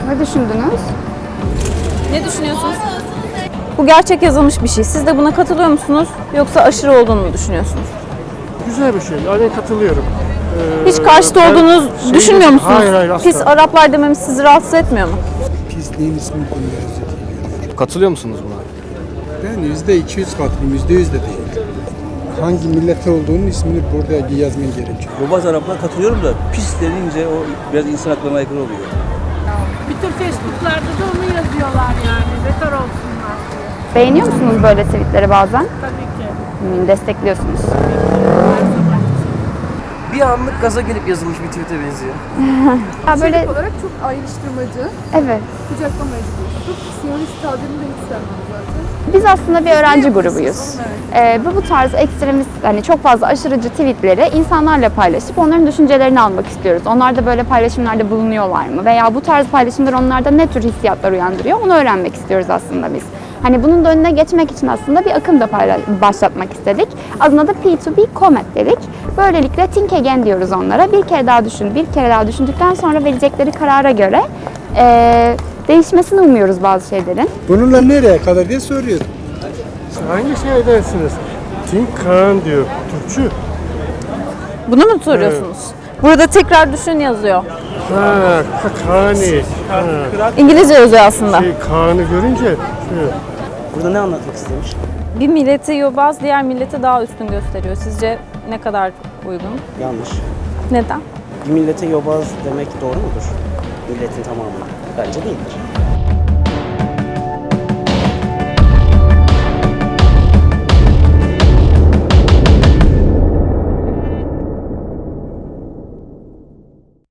Ne düşündünüz? Ne düşünüyorsunuz? Bu gerçek yazılmış bir şey. Siz de buna katılıyor musunuz? Yoksa aşırı olduğunu mu düşünüyorsunuz? Güzel bir şey. Aynen katılıyorum. Hiç karşıta ben olduğunuzu düşünmüyor musunuz? Hayır asla. Pis Araplar dememiz sizi rahatsız etmiyor mu? Pisliğin ismini bilmiyoruz diye. Katılıyor musunuz buna? Ben %200 katılım, %100 de değil. Hangi millete olduğunun ismini burada yazman gerekiyor. Yobaz Araplar katılıyorum da pis denince o biraz insan haklarına aykırı oluyor. Bütün Facebook'larda da onu yazıyorlar yani. Beter olsunlar diye. Beğeniyor musunuz böyle tweetleri bazen? Tabii ki. Destekliyorsunuz. Bir anlık gaza gelip yazılmış bir tweet'e benziyor. Ya böyle olarak çok ayrıştırmacı, evet. kucaklamayıcı bir üslup. Siyonist tabirini de hiç sevmem zaten. Biz aslında bir öğrenci grubuyuz. Bu tarz ekstremist, hani çok fazla aşırıcı tweetleri insanlarla paylaşıp onların düşüncelerini almak istiyoruz. Onlar da böyle paylaşımlarda bulunuyorlar mı? Veya bu tarz paylaşımlar onlarda ne tür hissiyatlar uyandırıyor? Onu öğrenmek istiyoruz aslında biz. Hani bunun da önüne geçmek için aslında bir akım da başlatmak istedik. Adına da P2P Comment dedik. Böylelikle think again diyoruz onlara. Bir kere daha düşün, bir kere daha düşündükten sonra verecekleri karara göre değişmesini umuyoruz bazı şeylerin. Bununla nereye kadar diye soruyor. Hangi şeydensiniz? Think Kaan diyor. Türkçü. Bunu mu soruyorsunuz? Burada tekrar düşün yazıyor. Ha, Kaani. Ha. İngilizce yazıyor aslında. Kaan'ı görünce Burada ne anlatmak istemiş? Bir milleti yobaz diğer milleti daha üstün gösteriyor. Sizce ne kadar uygun? Yanlış. Neden? Bir millete yobaz demek doğru mudur? Milletin tamamı. Bence değildir.